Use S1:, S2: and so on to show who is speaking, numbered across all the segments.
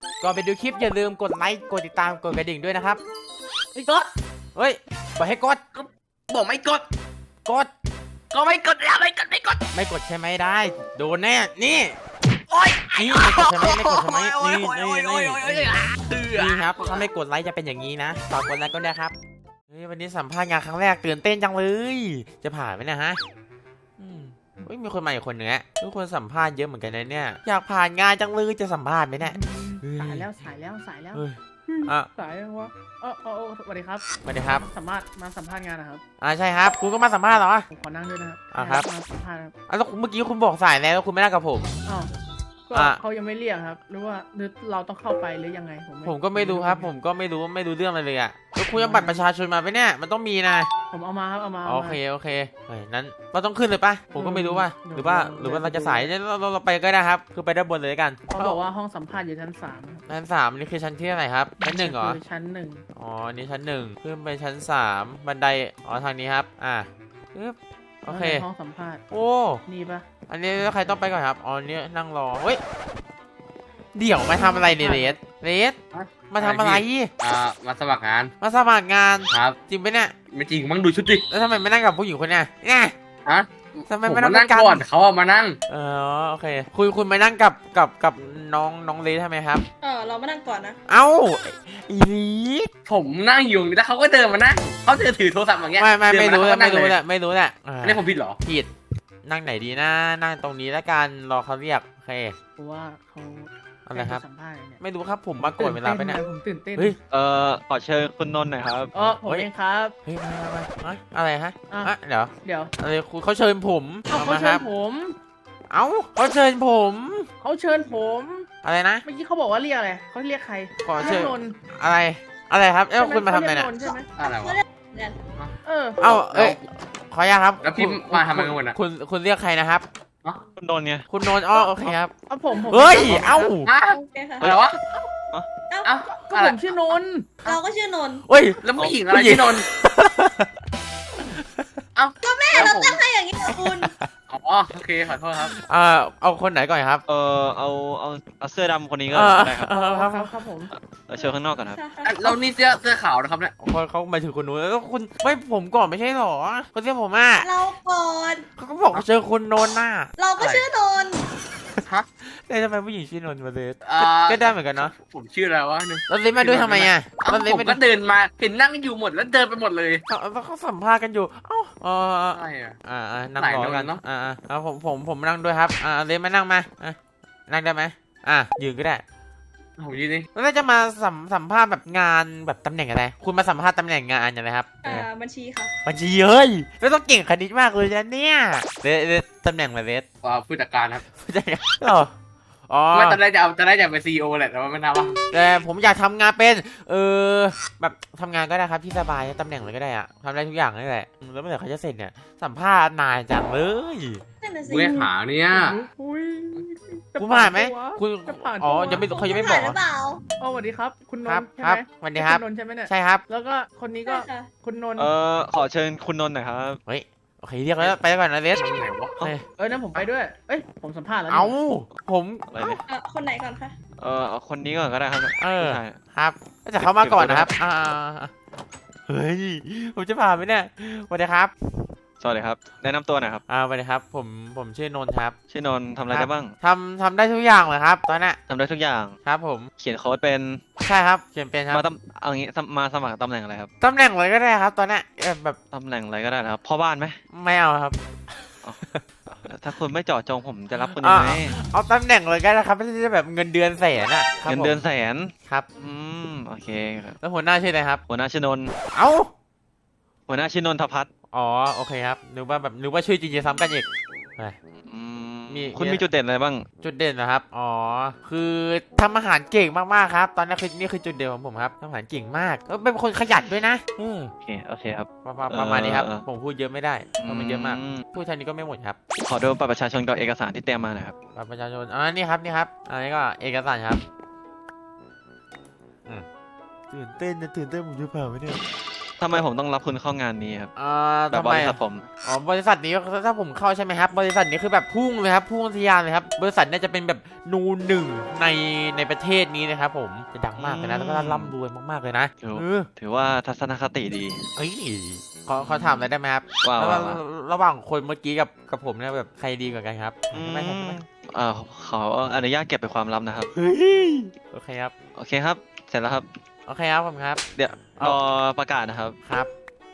S1: ก่อนไปดูคลิปอย่าลืมกดไลค์กดติดตามกดกระดิ่งด้วยนะครับ
S2: ไม่กด
S1: เฮ้ยบอกให้กด
S2: บอกไม่กด
S1: กด
S2: ก็ไม่กดแล้วไม่กด
S1: ไม่กดใช่ไหมได้โดนแน่นี่
S2: โอ๊ย
S1: นี่ไม่กดใช่ไหมไม่กดใช่ไหมนี่ครับถ้าไม่กดไลค์จะเป็นอย่างนี้นะฝากกดไลค์ก็ได้ครับวันนี้สัมภาษณ์งานครั้งแรกตื่นเต้นจังเลยจะผ่านไหมนะฮะมีคนมาอีกคนนึงอะทุกคนสัมภาษณ์เยอะเหมือนกันนะเนี่ยอยากผ่านงานจังเลยจะสัมภาษณ์ไหมเนี่ย
S2: สายแล้วสายแล้ว
S1: สายแล้ว
S2: วะสวัสดีครับ
S1: สวัสดีครับ
S2: มาสัมภาษณ์งานนะครับ
S1: ใช่ครับคุณก็มาสัมภาษณ์เหรอ
S2: ผมขอนั่งด้วยนะครับ
S1: ครับ
S2: มาสัมภาษณ์ครับ
S1: แล้วเมื่อกี้คุณบอกสายแล้วคุณไม่นั่งกับผม
S2: ก็เขายังไม่เรียกครับหรือว่าเราต้องเข้าไปหรือยังไง
S1: ผมก็ไม่รู้ครับผมก็ไม่รู้เรื่องอะไรเลยอ่ะแล้วคุณเอาบัตรประชาชนมาไหมเนี่ยมันต้องมีนะ
S2: ผมเอามาครับเอามา
S1: โอเคนั้นเราต้องขึ้นเลยปะผมก็ไม่รู้ว่าหรือว่าเราจะสายเราไปก็ได้ครับคือไปด้านบนเลยกัน
S2: เขาบอกว่าห้องสัมภาษณ์อยู่ชั้น
S1: 3นี่คือชั้นที่ไหนครับชั้น1เหรอ
S2: ชั้น1
S1: อ๋อนี่ชั้น1ขึ้นไปชั้น3บันไดทางนี้ครับโอเค
S2: ห้องสัมภาษณ์
S1: โอ้
S2: นี่ปะ
S1: อันนี้ใครต้องไปก่อนครับนี่นั่งรอเฮ้ยเดี๋ยวมาทำอะไรเรสมาทำอะไร
S3: มาสมัครงาน
S1: ครับจริงไหมเนี่ย
S3: ไม่จริงมั้งดูชุดดิ
S1: แล้วทำไมไม่นั่งกับผู้หญิงคนเนี้ย
S3: ฮะ
S1: ทำไมไม่นั่ง
S3: ก่อนเขามานั่ง
S1: โอเคคุณมานั่งกับน้องเลสทำไมครับ
S4: เรามานั่งก่อนนะ
S1: เอ้าอีลี
S3: ผมนั่งอยู่แล้วเขาก็เดินมานั่งเขาถือโทรศัพท์อย่างเงี้ย
S1: ไม่รู้แหละ
S3: นี่ผมผิดเหรอ
S1: ผิดนั่งไหนดีนะนั่งตรงนี้แล้วกันรอเขาเรียกโอเค
S2: เพราะว่าเขา
S1: อะไรครับไม่รู้ครับผมมาก่อนเวลาไปเนี่ย
S2: ผมตื่นเต้น
S5: ขอเชิญคุณนนท์หน่อยครับ
S2: ผมเองครับ
S1: เฮ้ยมาอะไรฮะเดี๋ยวอะไรเขาเชิญผม
S2: เขาเชิญผม
S1: เขาเชิญผมอะไรนะ
S2: เมื่อกี้เขาบอกว่าเรียกอะไรเขาเรียกใคร
S1: ขอเชิญอะไรครับคุณมาทำอะไรเนี่ย
S3: อะไรวะ
S1: ขออนุญาตครับ
S3: แล้วพี่มาทำอะไรกันนะ
S1: คุณเรียกใครนะครับ
S5: คุณนนท์ไง
S1: คุณนนท์โอเคครับ
S2: ผม
S1: เฮ้ย
S3: อะไรวะ
S2: ก็ผมชื่อนนท์
S4: เราก็ชื่อนนท์
S1: เฮ้ย
S3: แล้วผู้หญิงอะไรชื่อนนท์
S4: ก็แม่เราตั้งให้อย่างนี้คุณ
S3: โอเคขอโทษครับ
S1: เอาคนไหนก่อนครับ
S5: เอาเสื้อดำคนนี้ก็ได้ครับ
S2: ครับผม
S5: เชิญข้างนอกก่อนครับ
S3: เรานี่เสื้อขาวนะครับเนี่ย
S1: เขาหมายถึงคนนู้นแล้วคุณไม่ผมก่อนไม่ใช่หรอคนเรียกผม
S4: เราก่อน
S1: เขาก็บอกเจอคุณนนท์
S4: เราก็ชื่อนนท์
S1: แต่ทำไมผู้หญิงชื่อนนท์มาเลยก็ได้เหมือนกันเนาะ
S3: ผมชื่ออะไรวะ
S1: แล้วเล่นมาด้วยทำไม
S3: ผมก็เดินมาเห็นนั่งอยู่หมดแล้วเดินไปหมดเลย
S1: เขาสัมภาษณ์กันอยู่
S3: ใช่
S1: นั่งรอกันเนาะผมนั่งด้วยครับเล่นมานั่งมานั่งได้ไหมยืนก็ได้
S3: ผมยืนนี่
S1: แล้วจะมาสัมภาษณ์แบบงานแบบตำแหน่งอะไรคุณมาสัมภาษณ์ตำแหน่งงานอย่างไรครับ
S4: บัญชีค่ะ
S1: บัญชีเฮ้ยแล้วต้องเก่งคณิตมากเลยนะเนี่ยตำแหน่งอะไรเรส
S3: ผู้จัดการครับ
S1: ผู้จัดการ
S3: ไม่ตอนแรกจะเป็นซีอีโอแหละแต่ว่าไม่น่าว่า
S1: แต่ผมอยากทำงานเป็นแบบทำงานก็ได้ครับที่สบายตำแหน่งอะไรก็ได้ทำได้ทุกอย่างนี่แหละแล้วเมื่อไหร่เขาจะเสร็จเนี่ยสัมภาษณ์นานจังเลย
S3: เว้ยหาเนี่ย
S1: คุณผ่านไหมคุณยังไม่เขายังไม่บอก
S4: ส
S2: วัสดีครับคุณนนท์ใช่
S1: ไหม
S2: สวัสดีครับคุณนนท์ใช่ไหมเนี่ย
S1: ใช่ครับ
S2: แล้วก็คนนี้ก็คุณนนท์
S5: ขอเชิญคุณนนท์หน่อยครับ
S1: เฮ้ยโอเคเรียกแล้วไปก่อนนะเรส
S2: นั่นผมไปด้วยผมสัมภาษณ์แล้ว
S1: ผม
S4: คนไหนก่อนคะ
S5: คนนี้ก่อนก็ได้ครับ
S1: ครับจะเข้ามาก่อนนะครับเฮ้ยผมจะผ่านไหมเนี่ยสวัสดีครับ
S5: สวัสดีครับแนะนำตัวหน่อยครับ
S1: สวัสดีครับผมชื่อนนท์ครับ
S5: ชื่อนนท์ทำอะไรได้บ้าง
S1: ทำได้ทุกอย่างเลยครับตอนนี้
S5: ทำได้ทุกอย่าง
S1: ครับผม
S5: เขียนโค้ดเป็น
S1: ใช่ครับเขียนเป็นครับ
S5: เอางี้มาสมัครตำแหน่งอะไรครับ
S1: ตำแหน่งอะไรก็ได้ครับตอนนี้แบบ
S5: ตำแหน่งอะไรก็ได้นะครับพ่อบ้านไหม
S1: ไม่เอาครับ
S5: ถ้าคุณไม่เจาะจงผมจะรับคุณยังไง
S1: เอาตำแหน่งเลยก็ได้ครับไม่ใช่แบบเงินเดือนแสน
S5: เงินเดือนแสน
S1: ครับ
S5: โอเค
S1: แล้วหัวหน้าชื่ออะไรครับ
S5: หัวหน้าชื่อนนท์หัวหน้าชื่อนนทพัฒน์
S1: โอเคครับนึกว่าชื่อจริงๆซ้ำกันอีก
S5: คุณมีจุดเด่นอะไรบ้าง
S1: จุดเด่นนะครับคือทำอาหารเก่งมากๆครับตอนนี้นี่คือจุดเด่นของผมครับทำอาหารเก่งมากแล้วเป็นคนขยันด้วยนะ
S5: โอเคครับ
S1: ประมาณนี้ครับผมพูดเยอะไม่ได้เพราะมันเยอะมากพูดเท่านี้ก็ไม่หมดครับ
S5: ขอดูบัตรประชาชนกับเอกสารที่เตรียมมาหน่อยครับ
S1: บัตรประชาชนนี่ครับอันนี้ก็เอกสารครับตื่นเต้นผมจะผ่านไหมเนี่ย
S5: ทำไมผมต้องรับคุณเข้างานนี้ครับ แบบ
S1: ทำ
S5: บ
S1: ไม
S5: ริษัทผม
S1: อ๋อบริษัทนี้ถ้าผมเข้าใช่ไหมครับบริษัทนี้คือแบบพุ่งเลยครับพุ่งทะยานเลยครับบริษัทเนี่ยจะเป็นแบบนูนหนึ่งในประเทศนี้นะครับผมจะดังมากเลยนะแล้วก็ร่ำรวยมากๆเลยนะ
S5: ถือ
S1: เออ
S5: ถือว่าทัศนคติดี
S1: เอ้ยขอถามอะไรได้ไหมครับ
S5: ว่า
S1: ระห
S5: ว่า
S1: ว่าง
S5: ว่า
S1: ระหว่างคนเมื่อกี้กับผมเนี่ยแบบใครดีกว่ากันครับ
S5: อืม
S1: ไม่ใช่ไหม
S5: ขออนุญาตเก็บเป็นความลับนะครับ
S1: เฮ้ยโอเคครับ
S5: โอเคครับ เสร็จแล้วครับ
S1: โอเคครับผมครับ
S5: เดี๋ยว
S1: เอา
S5: รอประกาศนะครับ
S1: ครับ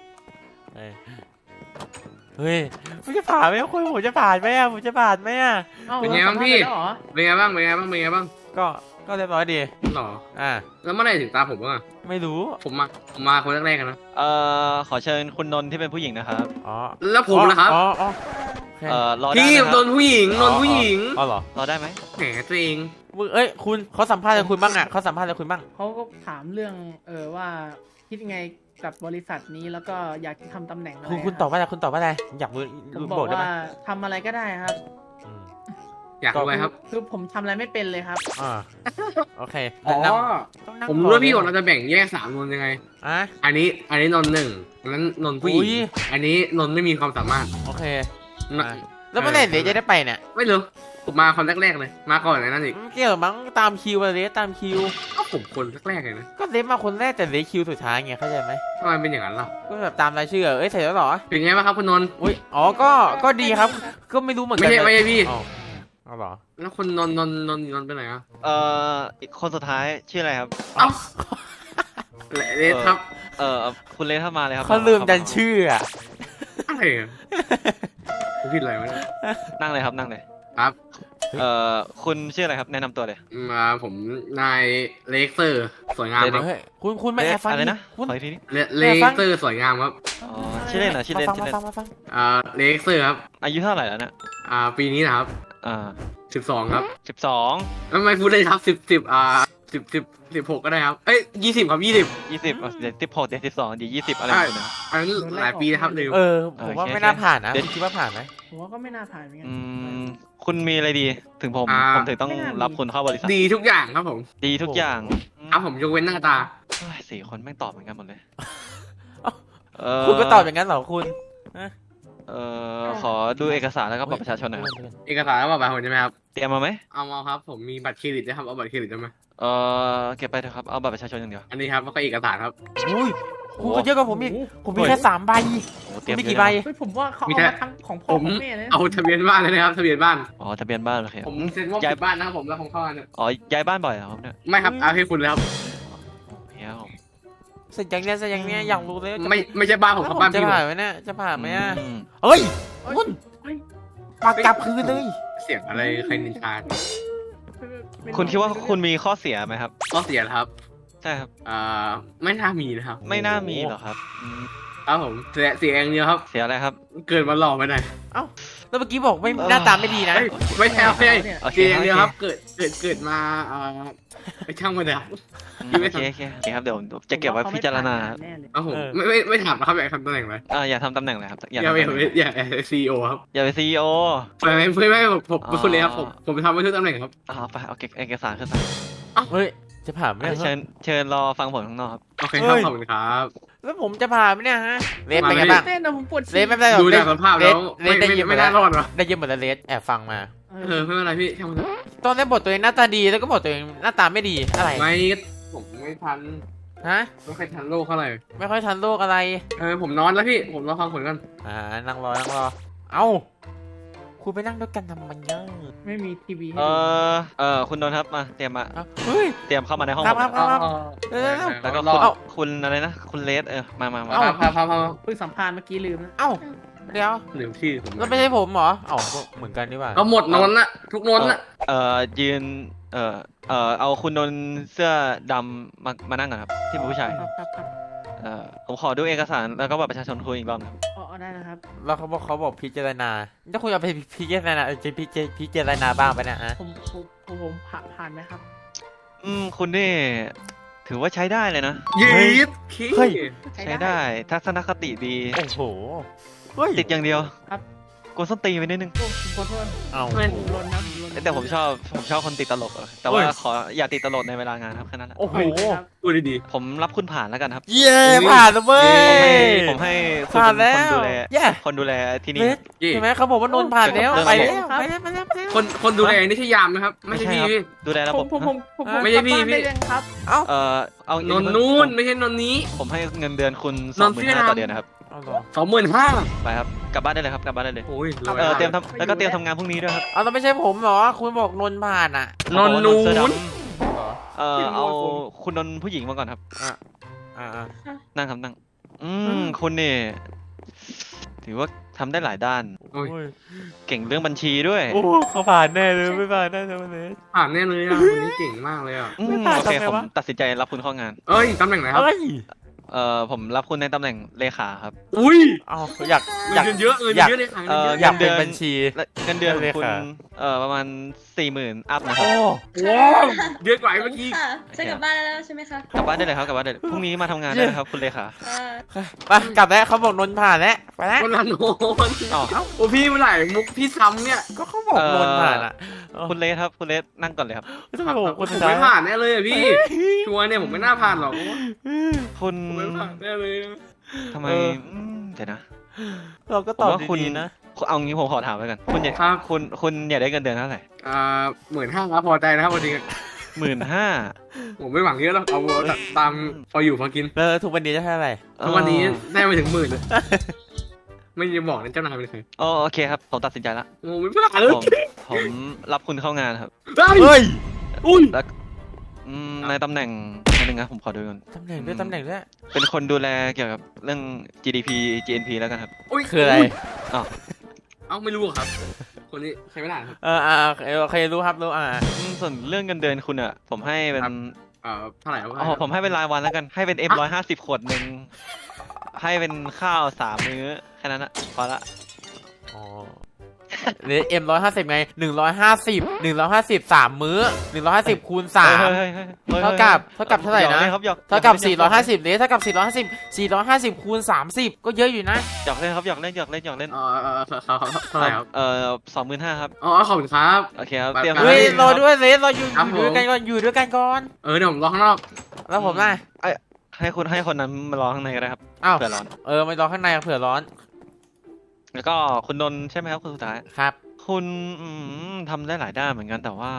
S1: เฮ้ยผมจะผ่านไหมคุณผมจะผ่านไหมอะผมจะผ่านไหมอะ
S2: อ้าว
S3: เป็นไงบ้างพี่
S2: สัมภษณ์แล้วเหรอ
S3: เป็นไงบ้างเป็นไงบ้างเป็นไงบ้าง
S1: ก็เรียบร้อยดี
S3: หรอ
S1: อ่า
S3: แล้วเมื่อไหร่ถึงตาผมบ้างอะ
S1: ไม่รู้
S3: ผมมาคนแรกๆกันนะ
S5: ขอเชิญคุณนนท์ที่เป็นผู้หญิงนะครับ
S1: อ๋อ
S3: แล้วผมนะครับ
S1: อ๋อโอเค
S5: รอได้
S3: พี่
S5: ไหมค
S3: โด
S5: รับ
S3: นผู้หญิงโดนผู้หญิง
S1: อ๋อเหรอ
S5: รอได้ไหม
S3: แหมตัวเอง
S1: มึงเอ้ยคุณเขาสัมภาษณ์อะไรคุณบ้างอ่ะเขาสัมภาษณ์อะไรคุณบ้าง
S2: เขาก็ถามเรื่องว่าคิดยังไงกับบริษัทนี้แล้วก็อยากจะทำตำแหน่งอะไร
S1: คุณตอบว่าอะไรคุณตอบว่าอะไรอยากรู้
S2: ผม
S1: รู้
S2: บบ อ
S1: อก กได้ไหม
S2: ว่าทำอะไรก็ได้ครับ
S1: อืม
S3: อยากรู้ไหมครับ
S2: คือผมทำอะไรไม่เป็นเลยครับ
S1: อ่าโอเค
S3: อ๋อ
S1: ต้องนั่ง
S3: ผมรู้ว่าพี่
S1: ก่
S3: ว่า
S1: อน
S3: เราจะแบ่งแยกสามนนยังไง
S1: อ่ะ
S3: อันนี้นนหนึ่งอันนั้นนนผู้หญิง
S1: อุ๊ย
S3: อันนี้นนไม่มีความสามารถ
S1: โอเค
S3: นะ
S1: อ่ะแล้วเมื่อไหร่เดี๋ยวจะได้ไปเนี่ย
S3: ไม่รู้ผมมาคนแรกๆเลย มาก่อนไอ้นั่นอีก
S1: ไม่เกี่ยวมั้งตามคิวอะไรตามคิว
S3: ก็ผมคนแรกๆเลยนะ
S1: ก็เลสมาคนแรกแต่เลสคิวสุดท้ายไงเข้าใจไหม
S3: ทำไมเป็นอย่างนั้นล่ะ
S1: ก็แบบตามรายชื่อเอ้ยเสร็จแล้วเหรอ
S3: เป็นไงบ้างครับคุณนนท์
S1: อุ้ยอ๋อก็ดีครับ ก็ไม่รู้เหมือนกั
S3: ไม่ใช่
S1: นะ
S3: ไม่ใช่พี่
S1: อ๋อเอาเหรอ
S3: แล้วคนนนท์ไปไหนอ่ะ
S5: อีกคนสุดท้ายชื่ออะไรครับ
S3: เอ้าเลสครับ
S5: คุณเลสเข้ามาเลยครับ
S1: เขาลืมดันชื่ออ่ะ
S3: อะไรอะผมผิดอะไรวะเนี่ย
S5: นั่งเลยครับนั่งเลย
S3: ครับ
S5: คุณชื่ออะไรครับแนะนำตัวเลย
S3: มาผมนายเลกเซอร์สวยงามครับ
S1: เฮ้ยคุณไม่แอบฟัง
S5: อะไร
S1: ดิ
S5: นะ
S1: คุณ
S5: ขออีกทีนี้
S3: เลกเซอร์สวยงามครับ
S5: อ๋อชื่อเล่นเหรอชื่อเล่น
S1: มา
S5: ชื่อเล่น
S1: ฟัง
S3: เลกเซอร์ครับ
S5: อายุเท่าไหร่แล้วเนี่ย
S3: ปีนี้นะครับ 12ครับ
S5: 12
S3: ไม่พูดเลยครับ16ก็ได้ครับเอ้ย20ครับ20
S5: 20เดี๋ยว16เดี๋ยว12เดี๋ยว20อะไรแบบนี้น
S3: อันนั้นหลายปีนะครับลืม
S1: ผมว่า
S5: โอเค
S1: ไม่น่าผ่านนะ
S5: เดี๋ยว
S1: คุณคิดว่าผ่านไหม
S2: ผมว่าก็ไม่น่าผ่านเหมือนกั
S5: อืมคุณมีอะไรดีถึงผมถึงต้องรับคุณเข้าบริษัท
S3: ดีทุกอย่างครับผม
S5: ดีทุกอย่าง
S3: ครับผมยกเว้นหน้าตา
S5: เฮ้ยสี่คนแม่งตอบเหมือนกันหมดเลย
S1: คุณก็ตอบอย่างนั้นเหรอคุณ
S5: ขอดูเอกสารแล้วก็บัตรประชาชนหน่อยครับ
S3: เอกสารแล้วบัตรผมใช่ไหมครับ
S5: เตรียมมาไหม
S3: เอามาครับผมมีบัตรเครดิตด้วยครับเอาบัตรเครดิตได้ไหม
S5: เก็บไปเถอะครับเอาบัตรประชาชนอย่างเดียว
S3: อันนี้ครับแล้วก็เอกสารครับ
S1: อุ้ยคุณก็เยอะกว่าผมอีกผมมีแค่3 ใบ
S5: โอ้
S1: คุ
S5: เตรี
S1: ณ
S5: ยม
S1: มี
S5: เย
S1: กี่
S5: อะ
S1: ใบ
S5: นะ
S2: เฮ้ยผมว่าเขา
S3: มี
S2: เอา
S3: แค่
S2: มาทั้งของพ่อของแม่เลยนะ
S3: เอาทะเบียนบ้านเลยนะครับทะเบียนบ้าน
S5: อ๋อทะเบียนบ้านโอเค
S3: ผมเซ็นว่า
S5: ย้าย
S3: ปิดบ้านนะครับผมแล้วผมเข้ามาเนี่ย
S5: อ๋อย้ายบ้านบ่อยเหรอครับเนี่ย
S3: ไม่ครับเอาให้คุณเลยครับ
S5: เฮียผม
S1: เสร็จอย่างเนี้ยอยากรู้เลย
S3: ไม่ใช่บ้านผมครับบ้าน
S1: จะ
S3: พี่ผม
S1: ผ่านไหมเนี่ยจะผ่านไหมอ่ะ
S5: อืม
S1: เฮ้ยคุณ
S2: เฮ้ย
S1: ปากกลับคืนเลย
S3: เสียงอะไรใครนินทา
S5: คุณคิดว่าคุณมีข้อเสียไหมครับ
S3: ก็เสียแล้วครับ
S5: ใช่ครับ
S3: ไม่น่ามีนะครับ
S5: ไม่น่ามีหรอกครับอืม
S3: ครับผมเสียอย่างเดียวครับ
S5: เสียอะไรครับ
S3: เกิดมาหล่อไปหน่อย
S1: แล้วเมื่อกี้บอกไม่หน้าตาไม่ดีนะ
S3: เฮ้ยไม่ใช่ไม่ใช่
S5: โอเค
S3: เสียอย่างเดียวครับ
S5: โอเค
S3: เกิดมาไปช่างมันเลยครับ
S5: โอเคโอเคโอเคครับเดี๋ยวจะเก็บไว้พิจารณา
S2: แน่เลย
S3: ครับผมไม่ถามนะครับอยากทำตำแหน่งอะไร
S5: อย่าทำตำแหน่งเลยครับอย่า
S3: อยาก
S5: ทำ
S3: ไป
S5: ตำแหน่ง
S3: อยากซีอีโอครับ
S5: อย่าไปซีอีโอ
S3: ไม่ผมคุณเลยครับผมทำไปทุกตำแหน่งครับ
S5: เอาไปเอาเอกสารขึ้นมา
S1: เฮ้ยจะผ่านไหม
S5: เชิญรอฟังผลข้างนอกครับ
S3: โอเคครับขอบคุณครับ
S1: แล้วผมจะผ่านไหมเนี่ยฮะเลสเป็นไงบ้าง
S2: เต้นนะผมปวด
S1: เลสไม่เป็นไรหรอก
S3: ดูจากสภาพแล้ว
S1: เลสได้ยินหม
S3: ไม่
S1: ดแล้
S3: น่าว รอดหรอ
S1: ได้ยินหมดแล้วเลสแอบฟังมา
S3: ไม่เป็นไรพี่ช่างมัน
S1: ตอนแรกบอกตัวเองหน้าตาดีแล้วก็บอกตัวเองหน้าตาไม่ดีอะไร
S3: ไม่ผมไม่ทัน
S1: ฮะ
S3: ไม่เคยทันโลกเท่าไหร่
S1: ไม่ค่อยทันโลกอะไร
S3: ผมนอนแล้วพี่ผมรอฟังผลกัน
S1: นั่งรอเอ้าคุณไปนั่งด้วยกันทำไมเนี่ย
S2: ไม่มีทีวีให้
S5: คุณนนท์ครับมาเตรียมมา
S1: เฮ้ย
S5: เตรียมเข้ามาในห้อง
S1: ครับ
S5: ผม
S1: ครับ
S5: แล้วก็
S3: รอ
S5: คุณอะไรนะคุณเลสมา
S3: พา
S2: เพิ่งสัมภาษณ์เมื่อกี้ลืมนะ
S1: เอ้าเดี๋ยว
S3: ลืมชื่อผม
S1: แล้วไม่ใช่ผมเหรอเอ้าเหมือนกันนี่หว่า
S3: ก็หมดนนท์ละทุกนนท์ละ
S5: ยืนเอาคุณนนท์เสื้อดำมานั่งก่อนครับที่เป็นผู้ชาย
S2: ครับ
S5: ผมขอดูเอกสารแล้วก็บัตรประชาชนคุณอีกรอบครับ
S2: อ๋อได้นะครับ
S1: แล้วเขาบอกพิจารณาถ้าคุณเอาไปพิจารณาจะพิจารณาบ้างไปนะฮะ
S2: ผมผ่านไหมครับ
S5: คุณนี่ถือว่าใช้ได้เลยนะ
S3: ยีด
S1: เฮ้ย
S5: ใช้ได้ทัศนคติดี
S1: โอ้โหเฮ้ย
S5: ติดอย่างเดียว
S2: ครับ
S5: กวนส้นตีนไปนิดนึง
S2: โอ้ผมขอโทษ
S1: เอ้า
S2: ผมลนนะผมลน
S5: แต่ผมชอบคนติดตลกอะแต่ว่าขออย่าติดตลกในเวลางานครับแค่นั้นแหละ
S1: โอ้โห
S3: พูดดี
S5: ผมรับคุณผ่านแล้วกันครับ
S1: เย้ผ่านแล้วเว้ย
S5: ผมให้คุณ
S1: ผ่าน
S5: เป็น
S1: แล้
S5: คน
S1: ว
S5: ดูแล
S1: เย้
S5: คนดูแลที่นี่
S1: เฮ้
S5: ค
S1: ย
S5: รับ
S3: ๆยี่
S1: ใช่ไหมเขาบอกว่านนท์ผ่านแล้ว
S5: เรื่อง
S1: ไป
S5: ระบบ
S1: แล้วไปแล้วไปแล้วไปแล้ว
S3: คนดูแลนี่ใช่ยามนะครับ ไม่ใช่พี่
S5: ครับ
S3: พี่
S5: ดูแลระ
S2: ผ
S5: บ
S2: ม
S5: บ
S2: ผมผมผม
S1: อ่ะ
S3: ไม่ใช่พี่
S2: กลับบ้าน
S3: พี่
S2: ได้ยังครับ
S5: เอา
S3: นนนู่นไม่ใช่นนนี้
S5: ผมให้เงินเดือนคุณ
S3: นนท์
S5: 25,000ต่อเดือนนะครับ
S1: เอาเหรอ
S3: 25,000
S5: ไปครับกลับบ้านได้เลยครับกลับบ้านได้เลย
S3: โอ้ยรวย
S5: เตรียม
S3: มาก
S5: ทำแล้วก็เตรียมทำงานพรุ่งนี้ด้วยครับ
S1: เอาแล้วไม่ใช่ผมเหรอคุณบอกนนท์ผ่านอ่ะ
S3: นนนู
S5: เสื้อด
S3: น
S5: ำเอาคุณนนท์ผู้หญิงมาก่อนครับ
S1: อ่า
S5: นั่งครับนั่งคุณนี่ถือว่าทำได้หลายด้าน
S3: โอ้ย
S1: โอ้ย
S5: เก่งเรื่องบัญชีด้วย
S1: โอ้เขาผ่านแน่เลยไม่ผ่านแน่เลยวันนี้
S3: ผ่านแน่เลยอ่ะคนนี้เก่งมากเลยอ่ะ
S1: ไม่ผ่าน
S5: โอเค
S1: ทำไง
S5: ผม
S1: วะ
S5: ตัดสินใจรับคุณเข้างาน
S3: เอ้ยตำแหน่งไหนครับ
S1: เอ้ย
S5: ผมรับคุณในตำแหน่งเลขาครับ
S3: อุ้ย
S1: เอาอยาก
S3: เงิ
S1: อยาก
S3: นเดือนเยอะเงิน
S1: อยาก
S3: เยอะเลยค่ะ
S5: เอ่อ
S1: อยากเป็น
S5: เงินเดือน
S1: บัญชี
S5: และเงินเดือนของคุณ
S1: เลขา
S5: ประมาณ 40,000 อัพนะครั
S1: โอ้
S5: บ
S3: ว้าวเยอะกว่าไอ้เมื่อกี้
S4: ค่ะจะกลับบ้านแล้วใช่ไหมคะ
S5: กลับบ้านได้เลยครับกลับบ้านได้เลยพรุ่งนี้มาทำงานได้เลยครับคุณเลขา
S1: ไปกลับแล้วเขาบอกนนท์ผ่านแล้วไปแล้ว
S3: คนละโนน
S5: อ๋อ
S3: โอ้พี่เมื่อไหร่มุกพี่ซ้ำเนี่ย
S1: ก็เขาบอกนนท์ผ่านอ่ะ
S5: คุณเลสครับคุณเลสนั่งก่อนเลยครับ
S1: ทำไมผมคน
S3: ผ
S1: สุ
S3: ม
S1: ดท้าย
S3: ไม่ผ่านแน่เลยอะพี่ชัวร์เนี่ยผมไม่น่าผ่านหรอก
S5: คุณ
S3: ผมไม่ผ่านแน่เลยอะ
S5: ทำไมเดี๋ยวนะ
S1: เราก็ตอบ
S5: ผมว่าคุณ
S1: ดีๆนะ
S5: เอางี้ผมขอถามไว้ก่อนคุณอยากคุณอยากได้เงินเดือนเท่าไหร่
S3: 15,000ครับพอใจนะครับพอดี
S5: 15,000
S3: ผมไม่หวังเยอะหรอกเอาตามพออยู่พอกิน
S1: แล้วทุกวันนี้จะเท่าไหร่
S3: ทุกวันนี้ได้ไปถึง10,000เลยไม่จะบอกนะเจ้านายเป็นใคร
S5: โอเคครับผมตัดสินใจละ
S3: โอ้ไม่ผ่านเลย
S5: ผมรับคุณเข้างานครับ
S1: เฮ้ย
S3: อุ้ย
S5: แล้วในตำแหน่งนึงนะผมขอดูก่อน
S1: ตำแหน่งด้วยตำแหน่งด้วย
S5: เป็นคนดูแลเกี่ยวกับเรื่อง GDP GNP แล้วกันครับ
S1: คืออะไร
S3: เอ้าไม่รู้ครับ คนนี้ใช้ไม่ได้ครับ
S1: โอเครู้ครับรู้
S5: ส่วนเรื่องเงินเดือนคุณอ่ะผมให้เป็น
S3: ครับ เท่าไหร่ครับ
S5: ผมให้เป็นรายวันแล้วกันให้เป็น F150 ขวดหนึ่งให้เป็นข้าว3 มื้อแค่นั้นอะพอละ
S1: อ๋อเนี่ยM150ไง150 3 มื้อ150คูณ3 เท่ากับเท่าไหร่นะ
S5: ครับหยอก
S1: เท่ากับ450เนี่ยเท่ากับ450คูณ30ก็เยอะอยู่นะ
S5: หยอกเล่นครับหยอกเล่น
S3: เท่าไหร่ครับ
S5: 25,000ครับ
S3: ขอบคุณครับ
S5: โอเคครับ
S3: แบบ
S5: เตรียม
S3: นั้น
S1: เฮ้ยรอด้วยเลสเราอยู่
S3: ครับ
S1: ด้วยกันก่อนอยู่ด้วยกันก่อน
S3: เดี๋ยวผมรอข้างนอก
S1: แล้วผมล่ะ
S5: ให้คนนั้นมารอข้างในก็ได้ครับ
S1: อ้าว
S5: เผื่อร้อน
S1: ไม่รอข้างในเผื่อร้อน
S5: แล้วก็คุณนนท์ใช่ไหมครับคนสุดท้าย
S1: ครับ
S5: คุณทำได้หลายด้านเหมือนกันแต่ว่า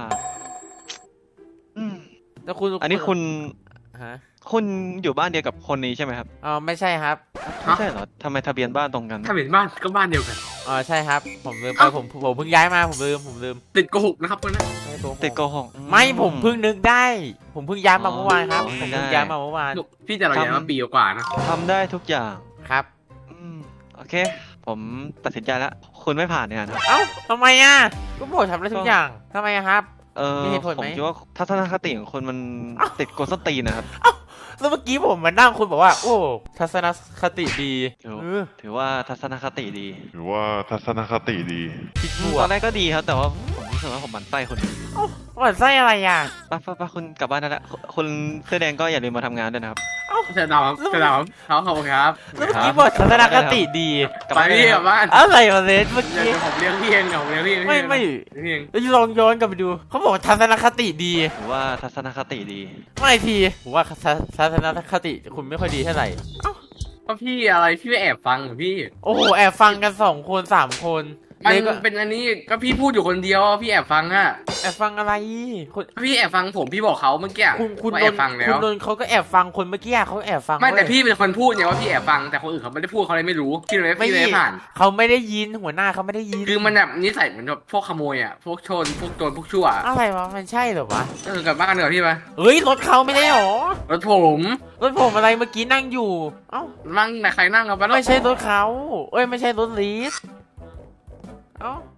S1: แล้วคุณ
S5: อันนี้คุณ
S1: ฮะ
S5: คุณอยู่บ้านเดียวกับคนนี้ใช่ไหมครับ
S1: ไม่ใช่ครับ
S5: ไม่ใช่เหรอทำไมทะเบียนบ้านตรงกัน
S3: ถ้าเป็นบ้านก็บ้านเดียวกัน
S1: ใช่ครับผมลืมไปผมเพิ่งย้ายมาผมลืม
S3: ติดโกหกนะครับคนนั้น
S1: ไม่โกหก
S5: ติดโกหก
S1: ไม่ผมเพิ่งนึกได้ ผมเพิ่งย้ายมาเมื่อวานครับ
S5: อ๋อ
S1: ผมเพิ่ง
S5: ได้
S1: ย้ายมาเมื่อวาน
S3: พี่จะรออย่างมาปีกว่านะ
S5: ทำได้ทุกอย่าง
S1: ครับ
S5: โอเค ผมตัดสินใจแล้ว คุณไม่ผ่านเนี่ยนะครับ
S1: เอ้าทำไมอ่ะก็บอกทำได้ทุกอย่างทำไมอะครับ มีเหตุผลไหม
S5: ผมคิดว่าทัศนคติของคุณมันติดโกสตีนนะครับ
S1: แล้วเมื่อกี้ผมมานั่งคุณบอกว่า โอ้ทัศนคติดี
S5: ถือว่าทัศนคติดี
S6: ถือว่าทัศนคติดี
S1: คิดบว
S5: ตอก นแรกก็ดีครับ แต่ว่าผมรู้สึกว่าผมหมั่นไส้คุณ
S1: หวั่นไส้อะไรอ่ะ
S5: ไปคุณกลับบ้านได้แล้วคุณเสื้อแดงก็อย่าลืมมาทำงานด้วยนะครับ
S3: จะดาวครับขอบคุณครับ
S1: แล้วเมื่อกี้บอกทัศนคติดี
S5: กลับ
S3: ไป
S5: บ้านได้
S3: พี่
S5: เลย
S3: ก
S5: ค
S3: ลั
S5: รั
S3: บบ บ้าน
S1: อะไรมาเลสเมื่อ
S3: เดี๋
S1: กี้
S3: ยวผมเลี้ยงพี่เองเดี๋ยวผมเลี้ยงพี่
S1: ไม่
S3: พี่เอง
S1: แล้วลองย้อนกลับไปดู เขาบอกทัศนคติดี
S5: ถือว่าทัศนคติดี
S1: ไม่ทีผมว่าทัศนคติคุณไม่ค่อยดีเท่าไหร่
S3: ก็พี่อะไรพี่ไปแอบฟังเหรอพี่
S1: โอ้โหแอบฟังกัน2 คน3 คน
S3: มัน
S1: เลก็
S3: เป็นอันนี้ก็พี่พูดอยู่คนเดียวพี่แอบฟังอะ
S1: แอบฟังอะไรคุณ
S3: พี่แอบฟังผมพี่บอกเขาเมื่อกี้
S1: คุณ
S3: ว่า
S1: โด
S3: แอน บฟังแล้
S1: คุณ
S3: ว
S1: โดนเขาก็แอบฟังคนเมื่อกี้เขาแอบฟัง
S3: ไม่แต่
S1: เว้ย
S3: พี่เป็นคนพูดไงว่าพี่แอบฟังแต่คนอื่นเขาไม่ได้พูดเขาเลยไม่รู้พี่เลยพี่เลยไม่ผ่าน
S1: เขาไม่ได้ยินหัวหน้าเขาไม่ได้ยิน
S3: คือมันแบบนิสัยเหมือนแบบพวกขโมยอ่ะพวกโจรพวกโจรพวกชั่ว
S1: อะไรวะมันใช่เหรอวะ
S3: กลับบ้านเถอะพี่ไป
S1: เฮ้ยรถเขาไม่ได้หรอ
S3: รถผม
S1: รถผมอะไรเมื่อกี้นั่งอยู่ เอ้า
S3: นั่งแต่ใครนั่งเอาไปแล้ว
S1: ไม่ใช่รถเขาเอ้ยไม่ใช่รถลีสเอ้า